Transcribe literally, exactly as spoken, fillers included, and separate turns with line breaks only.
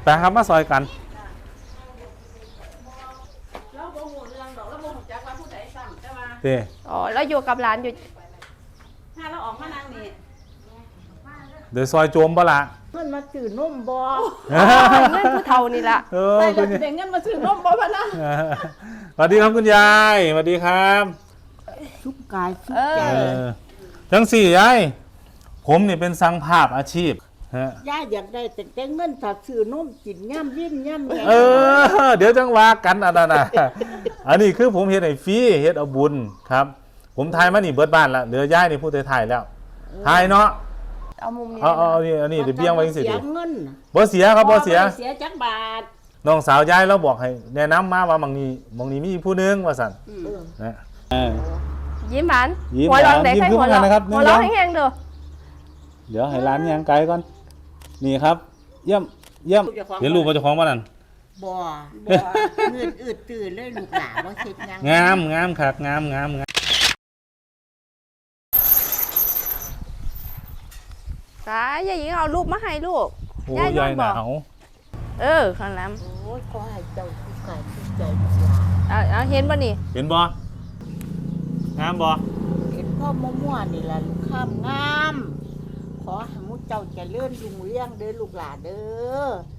ไปครับมาซอยกัน
แล้วโมโหเรื่องดอกแล้วโมโหจักว่าผู้ใดซ้ำแต่ว่า
เต้
อ๋อแล้วอยู่กับร้านอยู่
ถ้าเราออกมานั่งนี่
เดี๋ยวซอยโจมบ่ละ
เงินมาซื้อนมบ่
เงินผู้เฒ่านี่ละ
เออ
แต่
คุณ
เด็กเงินมาซื้อนมบ่พะนะ
สวัสดีครับคุณยายสวัสดีครับ
สุขกายสุข
เอ
ใจ
เอ
อ
อทั้งสี่ยายผมนี่เป็นสังภาพอาชีพฮะ
ย่าอยากได้แต่แต่เงินถ้าซื้อนมกินย่ำยิ่นย่ำแย่
เออ เดี๋ยวจังว่ากันอันนั้นนะอันนี้คือผมเฮ็ดให้ฟรีเฮ็ดเอาบุญครับ ผมทายมานี่เบิดบ้านละเหลือยายนี่ผู้ถ่ายแล้วทายเนาะ
เอามุมนี้
เอาเอาเอานี่อันนี้เดี๋ยวเบี้ยงไว้จังสิ
เสีย
ดิ
เงิน
บ่เสียครับบ่เสีย
เสียจักบาท
น้องสาวยายเราบอกให้แนะนำมาว่าบางนี้บางนี้มีผู้หนึงว่าซั่น
เออ
นะเออ
ยิ้มหวาน
ยิ้ม
หัว
หวาน
เร้องได้
ยิ้ม
ใคร
ขึ้น
หัว
มา
เร้อง
นะครับ
หัวเร้อง
หนึ่ง
แห้งๆเด้อ
เดี๋ยวให้ร้านย่างไกลก่อนนี่ครับเยี่ยมเยี่ยมเห็นรูปว่าเจ้าของบ่นั่น
บ่บ่เงินอืดตื่นเลยลูกหลานบ่เฮ็ดหยัง
งามงามคักงามงามงาม
สายยายหญิงเอารูปมาให้ลูก
โอ้
ยาย
ยาย
น
ห
อน
นา
บอก
ว
เออข้างหลัง
โอ้ยขอให้เจ้าสุขกายสุขใจลูกหลาน
เอาเอาเห็นป่ะนี่
เห็นบ่งามบ่
เห็นพ่อมั่วๆนี่ล่ะลูกข้ามงามขอให้มุเจ้าเจริญรุ่งเรืองเด้อลูกหลานเด้อ